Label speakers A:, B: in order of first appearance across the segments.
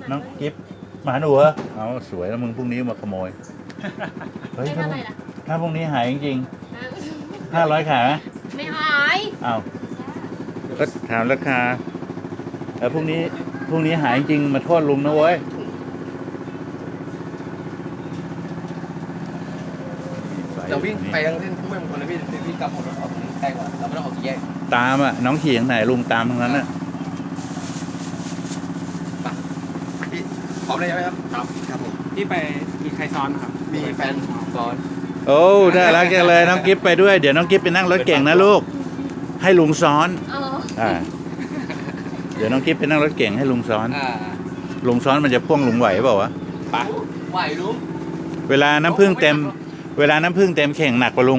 A: น้องกิฟหมาหนูเหรอเอาสวยแล้วมึงพรุ่งนี้มาขโมยเฮ้ย
B: ไม่เท่าไหร่ล่ะ
A: ถ้าพรุ่งนี้หายจริงๆ500ขายไหม
B: ไม่หาย
A: อ้าวก็ถามราคาพรุ่งนี้หายจริงมาโทษลุงนะเว้ย
C: เราวิ่งไปทางเส้นทุ่งแม่มงคลนะพี่กลับรถออกตรงนี้ใกล้กว่าเราไม่ต้องออกสี่แยก
A: ตามอ่ะน้องขี่ทางไหนลุงตามทางนั้นน่ะ
C: พี่พร้อมเลยใช่ไหมครับครับผม
D: ที่ไปมีใครซ้อนครับ
C: มีแฟนซ้อน
A: โอ้น่ารักจังเลยน้องกิฟไปด้วยเดี๋ยวน้องกิฟไปนั่งรถเก่งนะลูกให้ลุงซ้อน
B: เออ
A: เดี๋ยวน้องกิฟไปนั่งรถเก่งให้ลุงซ้อน
C: อ่า
A: ลุงซ้อนมันจะพ่วงลุงไหวเปล่าวะ
C: ปะไหวลุง
A: เวลาน้ำผึ้งเต็มเข่งหนักกว่าลุง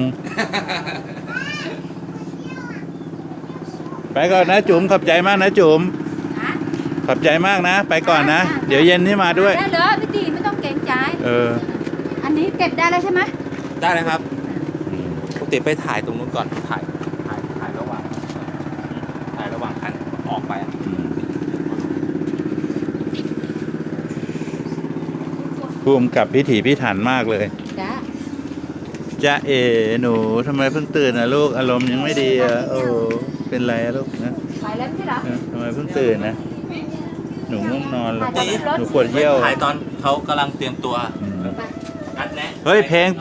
A: ไปก่อนนะจุ๋มขอบใจมากนะจุ๋มขอบใจมากนะ ไปก่อนนะ เดี๋ยวเย็นนี้มาด้วย
B: ได้เลยพี่ตีไม่ต้องเกรงใจ อันนี้เก็บได้แล้วใช่ไหม
C: ได้เลยครับปกติไปถ่ายตรงนู้นก่อนถ่ายระหว่างคันออกไปอะ
A: ภูมิกับพิถีพิถันมากเลย
B: จ้า
A: จ๊ะเอ๋หนูทำไมเพิ่งตื่นอ่ะลูกอารมณ์ยังไม่ดีอ่ะโอ้เป็นไรอะลูกนะ
B: ไปแล้วไม่ใช่เหรอ
A: ทำไมเพิ่งตื่นนะหนูง่วงนอนเหรอ
B: ไปรถ
A: หนูปวดเยี่ยว
C: ถ่ายตอนเขากำลังเตรียมตัว
A: อืม
C: นัดแนะ
A: เฮ้ยเพลง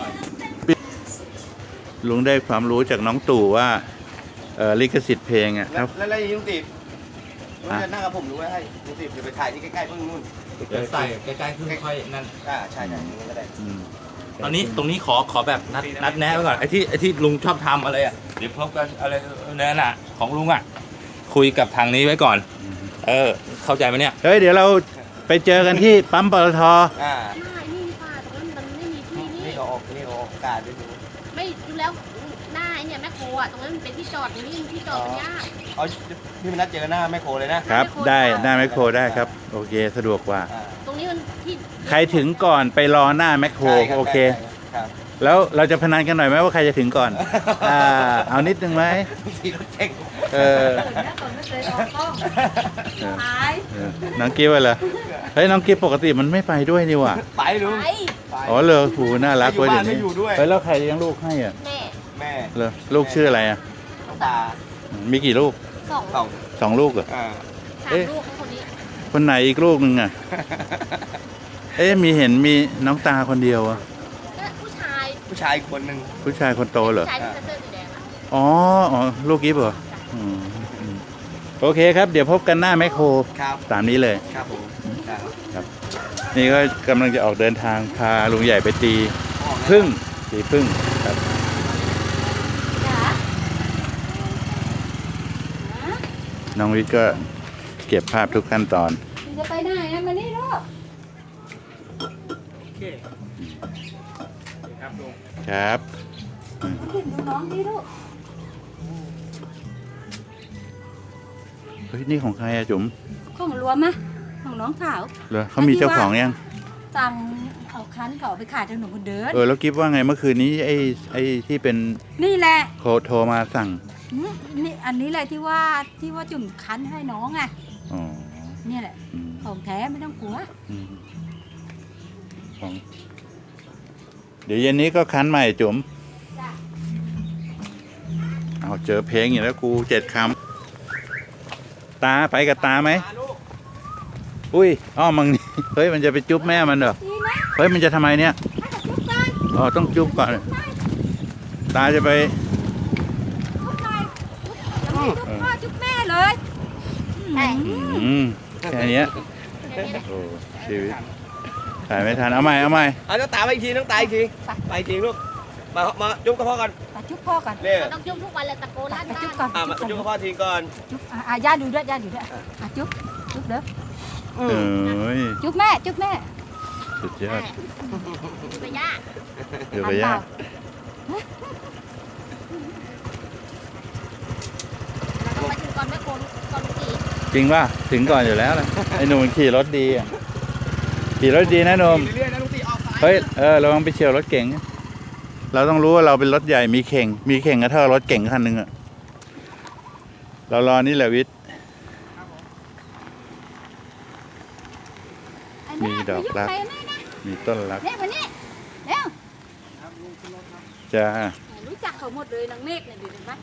A: ลุงได้ความรู้จากน้องตู่ว่าลิขสิทธิ์เพลงอ่ะครับ
C: แล้วลุงตีบลุงจะนั่งกับผมรู้ไหมให้ลุงตีบจะไปถ่ายที่ใกล้ๆเพิ่งนู่น
E: เดี๋ยวใส่ใกล้ๆขึ้นค่อยนั่น
C: ใช่งั้นก็ได้
A: อืม
E: ตอนนี้ตรงนี้ขอแบบนัดแนะไว้ก่อนไอ้ที่ลุงชอบทำอะไรอ่ะเดี๋ยวพบกันอะไรนั่นน่ะของลุงอ่ะคุยกับทางนี้ไว้ก่อน เข้าใจไหมเนี่ย
A: เฮ้ยเดี๋ยวเราไปเจอกันที่ปั๊มปตท
C: อ่า
B: ไม่นี่ป่าตรงนั้นมันไม่มีที่นี่
C: นี่เขาออกอากาศด้วยดู
B: ไม่ดูแล้วหน้าไอ้เนี่ยแม่โคอ่ะตรงนั้นมันเป็นที่จอดตรงนี้ที่จอดมันยาก
C: เอาพี่มานัดเจอกันหน้าแม่โคเลยนะครับ
A: ได้แมคโครได้ครับ โอเคสะดวกกว่า
C: อ่า
B: ตรงนี้มันที่
A: ใครถึงก่อนไปรอหน้าแมคโคร
C: ใช่รับ
A: โอเค
C: ครับ
A: แล้วเราจะพนันกันหน่อยไหมว่าใครจะถึงก่อนเอานิดนึงไหม
C: ขี่รถเก่ง
A: เออ
B: ไม่เคยออกกล้องหาย
A: น้องกิฟต์เหรอเฮ้ยน้องกิฟต์ปกติมันไม่ไปด้วยนี่หว่า
C: ไปลุง
B: ไป
C: ไป
A: อ๋อเลยหูน่ารักเว้ย
C: ไม่
A: เดี๋ยว
C: อยู่บ้าน
A: นี้
C: ไม่อยู่ด้วย
A: เฮ้ยแล้วใครเลี้ยงลูกให้อ่ะ
B: แม่
C: แม่
A: เหรอลูกชื่ออะไรอ่ะ
C: ตา
A: มีกี่ลูก
B: สอง
C: สอง
A: 2 ลูกเหรอ
C: อ่า
B: สามลูกให้คนนี้
A: คนไหนอีกลูกหนึ่งอ่ะ มีน้องตาคนเดียวอ่ะ
B: ก็ผู้ชาย
C: ผู้ชายอีกคนหนึ่ง
A: ผู้ชายคนโตเหรอ
B: ผู้ชายที่เสื้อสีแดงอ่ะ
A: อ๋อลูกกิฟต์เหรออืมโอเคครับ เดี๋ยวพบกันหน้าแมคโคร
C: ครับ
A: ตามนี้เลย
C: ครับผมครับ
A: นี่ก็กำลังจะออกเดินทางพาลุงใหญ่ไปตี
C: ออกแล้ว
A: พึ่งตีพึ่งครับ
B: จ๋า
A: น้องวิทย์ก็เก็บภาพทุกขั้นตอน
B: จะไปไหนอะมานี่ลูก
D: โอเคครับลุง
A: ครับ
B: ขึ้นดูน้องดิลูก
A: เฮ้ยนี่ของใครอะจุ๋ม
B: ของรวมไหมของน้องสาว
A: เหรอเขามีเจ้าของยัง
B: สั่งเอาคันเขาเอาไปขายถนนคนเดิน
A: แล้วกิฟว่าไงเมื่อคืนนี้ไอ้ที่เป็น
B: นี่แหละ
A: โทรมาสั่ง
B: นี่อันนี้แหละที่ว่าจุ่มคันให้น้องไง
A: อ๋อ
B: เนี่ยแหละ
A: อืม
B: ของแท้ไม่ต้องกลัว
A: อืมของเดี๋ยวเย็นนี้ก็คันใหม่จุ๋ม
B: จ้ะ
A: เอาเจอเพลงอย่างแล้วกู7 คำตาไปกับตาไหมอุ้ยอ้อมังนี่ เฮ้ยมันจะไปจุ๊บแม่มันเหรอ
B: ดีนะ
A: เฮ้ยมันจะทำไมเนี่ย
B: ให้กับจุ๊บกัน
A: อ๋อต้องจุ๊บก่อนตาจะไป
B: จุ๊บหน่อยจุ๊บพ่อจุ๊บแม่เลยใช่
A: แค่เนี้ยโอ้ชีวิตถ่ายไม่ทันเอาใหม่
C: เอาน้องตาไปอีกทีน้องตาอีกทีไปอีกทีลูกมาจุ๊บกับพ่อก่อน
B: ไปจุ๊บพ่อก่อน
C: เนี่ย
B: ต้องจุ๊บทุกวันเลยตะโกนลั่น
A: ไป
B: บ้าน
A: จุ๊บก่อน
C: มาจุ๊บกับพ่อทีก่อน
B: จุ๊บย่าดูด้วยย่าดูด้วยจุ๊บเด้อ
A: เอ้ย
B: จุ๊บแม่จุ๊บแม่
A: สุดยอด
B: ไปย่า
A: เดี๋ยวไปยาก
B: เราต้องไปถึงก่อนแม่โกนก่อนกี่
A: จริงป่ะถึงก่อนอยู่แล้วนะไอ้หนุ่มมันขี่รถดีอ่ะขี่รถดีนะหนุ่ม
C: เรื่อยๆนะลุงตีออกซ้าย
A: เฮ้ยระวังไปเฉียวรถเก๋งเราต้องรู้ว่าเราเป็นรถใหญ่มีเข่งก็เท่ารถเก๋งคันหนึ่งอ่ะเรารอนี่แหละวิทย์มีดอกรัก
B: ไปยุ่งอะไรแม่นะ
A: มีต้นรัก
B: เนี่ยวันนี้เร็ว
A: จ้า
B: รู้จักเขาหมดเลยนางเมฆเนี่ยดูดิไหม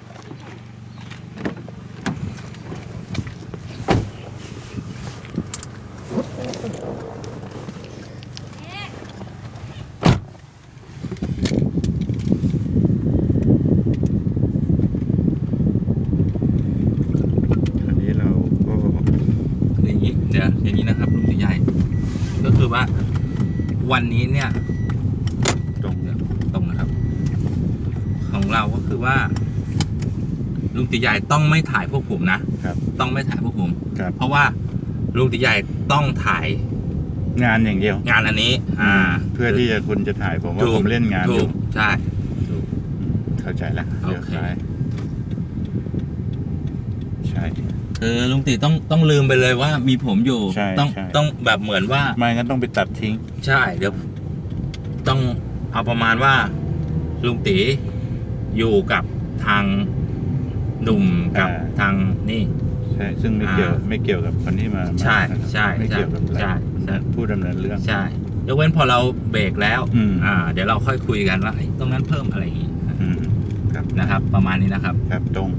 A: อันนี้เราก็
E: อย่างนี้เดี๋ยวอย่างนี้นะครับลุงตีใหญ่ ก็คือว่าวันนี้เนี่ย
A: ตรง
E: ตรงนะครับ ของเราก็คือว่าลุงตีใหญ่ต้องไม่ถ่ายพวกผมนะครับ ต้องไม่ถ่ายพวกผม
A: ครับ
E: เพราะว่าลุงตีใหญ่ต้องถ่าย
A: งานอย่างเดียว
E: งานอันนี้
A: เพื่อที่จะคุณจะถ่ายผมว่า
E: ถูก
A: ผมเล่นงานอ
E: ถู
A: ยู่
E: กใช่
A: เข้าใจแล้ว
E: โอ
A: เลี้ยว
E: เค
A: ซ้ายใช่
E: คือลุงตีต้องลืมไปเลยว่ามีผมอยู่
A: ใช่
E: ต้อง
A: ใช่
E: ต้องแบบเหมือนว่า
A: ไม่งั้นต้องไปตัดทิ้ง
E: ใช่เดี๋ยวต้องเอาประมาณว่าลุงตีอยู่กับทางหนุ่มกับทางนี่
A: ใช่ซึ่งไม่เกี่ยวกับคนที่มา
E: ใช่
A: นะครับ
E: ใช่
A: ไม่เกี่ยวกับ
E: ใช่ใช่
A: ผู้ดำเนินเรื่อง
E: ใช่ยกเว้นพอเราเบรกแล้ว
A: อืม
E: เดี๋ยวเราค่อยคุยกันว่าเอ้ยตรงนั้นเพิ่มอะไรอย่างงี้
A: อืมครับ
E: นะครับ ประมาณนี้นะครับ
A: ครับตรง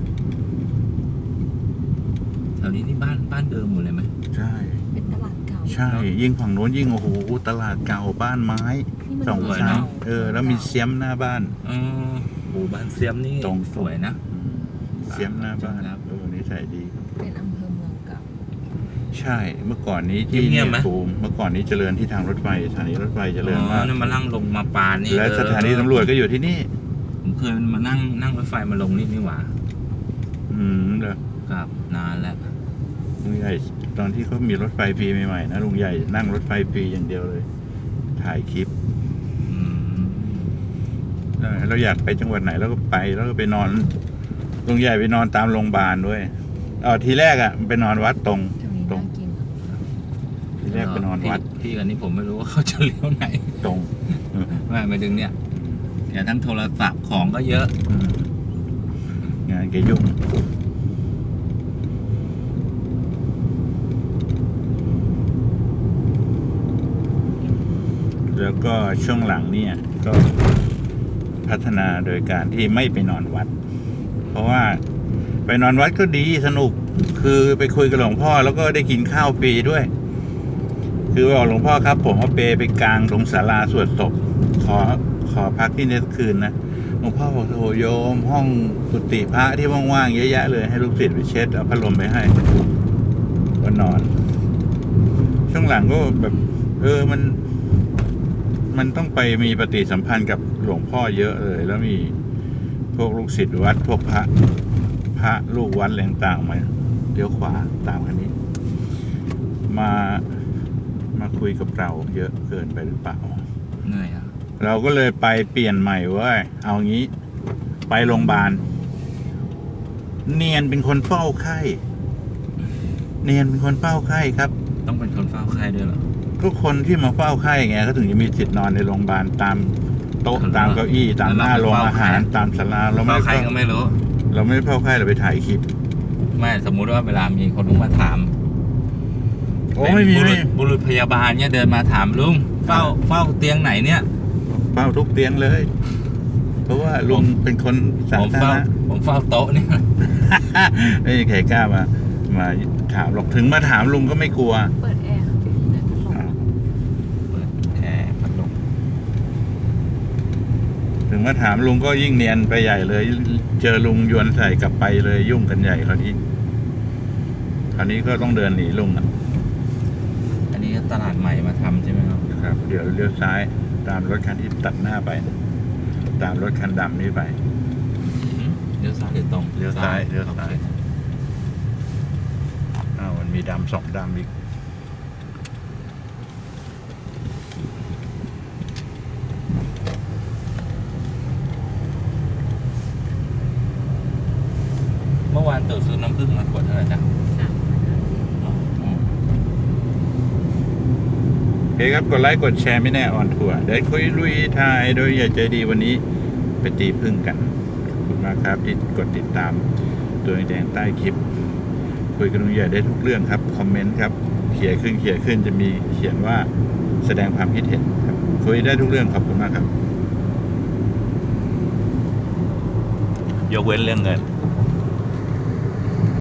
E: แถวนี้นี่บ้านเดิมหมดเลยไหม
A: ใช่
B: เป็นตลาดเก่า
A: ใช่ ยิ่งฝั่งโน้นยิ่งโอ้โหตลาดเก่าบ้านไม้
B: นี่มัน
A: สอง
B: เมื
A: ชั้น
B: เก่า
A: แล้วมีเสียมหน้าบ้าน
E: หมู่บ้านเสียมนี่
A: ตรง
E: สวยนะ
A: เสียมหน้าบ้าน
E: ครับ
A: นิสัยดี
B: เป็นอำเภอเมืองเก่า
A: ใช่เมื่อก่อนนี้ที่
E: เงียบๆไหม
A: ภูมิเมื่อก่อนนี้เจริญที่ทางรถไฟสถานีรถไฟเจริญมาก
E: นั่นมานั่งลงมาปานนี่
A: และสถานีตำรวจก็อยู่ที่นี่
E: ผมเคยมานั่งรถไฟมาลงนี่หว่า
A: เด้อ
E: ครับนานแล้ว
A: ลุงใหญ่ตอนที่เขามีรถไฟฟรีใหม่ๆนะลุงใหญ่นั่งรถไฟฟรีอย่างเดียวเลย ถ่ายคลิป
E: อืม
A: เราอยากไปจังหวัดไหนเราก็ไปแล้วก็ไปนอนลุงใหญ่ไปนอนตามโรงพยาบาลด้วยทีแรกไปนอนวัดตรง
B: จะมี
A: ตรง
B: น่ากิน
A: ทีแรกไปนอนวัด
E: พี่กันนี้ผมไม่รู้ว่าเขาจะเลี้ยวไหน
A: ตรง
E: ไม่ไปดึงเนี่ยแกทั้งโทรศัพท์ของก็เยอะ
A: งานแกยุ่งแล้วก็ช่วงหลังเนี่ยก็พัฒนาโดยการที่ไม่ไปนอนวัด เพราะว่าไปนอนวัดก็ดีสนุกคือไปคุยกับหลวงพ่อแล้วก็ได้กินข้าวฟรีด้วย คือบอกหลวงพ่อครับผมเอาเปไปกลางตรงศาลาสวดศพขอพักที่นี่สักคืนนะหลวงพ่อบอกโถโยมห้องกุฏิพระที่ว่างๆเยอะแยะเลยให้ลูกศิษย์ไปเช็ดเอาพัดลมไปให้ก็นอน ช่วงหลังก็แบบมันต้องไปมีปฏิสัมพันธ์กับหลวงพ่อเยอะเลยแล้วมีพวกลูกศิษย์วัดพวกพระลูกวัดอะไรต่างๆมาเลี้ยวขวาตามคันนี้ มาคุยกับเราเยอะเกินไปหรือเปล่า
E: เหนื่อยอ่ะ
A: เราก็เลยไปเปลี่ยนใหม่เว้ยเอางี้ ไปโรงพยาบาลเนียนเป็นคนเฝ้าไข้เนียนเป็นคนเฝ้าไข้ครับ
E: ต้องเป็นคนเฝ้าไข้ด้วยเหรอ
A: ทุกคนที่มาเฝ้าไข้ไงก็ถึงจะมีสิทธิ์นอนในโรงพยาบาลตามโต๊ะตามเก้าอี้ตามหน้าโรงอาหารตามศาลาเราไม่
E: เฝ้า
A: ได้
E: ใครก็ไม่รู้
A: เราไม่ได้เฝ้าไข้เราไปถ่ายคลิป
E: ไม่สมมุติว่าเวลามีคนลุงมาถาม
A: โอ้ไม่มี
E: เป็นบุรุษพยาบาลเนี่ยเดินมาถามลุงเฝ้าเตียงไหนเนี่ย
A: เฝ้าทุกเตียงเลย เพราะว่าลุงเป็นคนสา
E: ผม
A: ธาร
E: เฝ้า
A: ณะ
E: ผมเฝ้าโต๊ะเนี่ย
A: ไม่มีใครกล้ามาถามหรอกถึงมาถามลุงก็ไม่กลัว
B: เปิดแอร์เปิดพัดลม
E: เปิดแอร์พัดลม
A: ถึงมาถามลุงก็ยิ่งเนียนไปใหญ่เลย เจอลุงยวนใส่กลับไปเลยยุ่งกันใหญ่คราวนี้ก็ต้องเดินหนีลุง
E: อันนี้ตลาดใหม่มาทำใช่ไหมครับ
A: นะครับ เดี๋ยวเลี้ยวซ้ายตามรถคันที่ตัดหน้าไป ตามรถคันดำนี้ไป
E: เลี้ยวซ้ายหรือตรง
A: เลี้ยวซ้ายเลี้ยวซ้าย
E: โอเค
A: มันมีดำสองดำอีก
E: เมื่อวานตู่ซื้อน้ำผึ้งมาขวดเท่าไหร่จ๊ะ
A: โอเคครับกดไลค์กดแชร์ไม่แน่ออนทัวร์ได้คุยลุยทายโดยอย่าใจดีวันนี้ไปตีพึ่งกันขอบคุณมากครับที่กดติดตามตัวแดงใต้คลิป คุยกันลุงใหญ่ได้ทุกเรื่องครับคอมเมนต์ครับ คลิปขี่ยขึ้นจะมีเขียนว่าแสดงความคิดเห็นครับคุยได้ทุกเรื่องขอบคุณมากครับ ยกเว้นเรื่องเงิน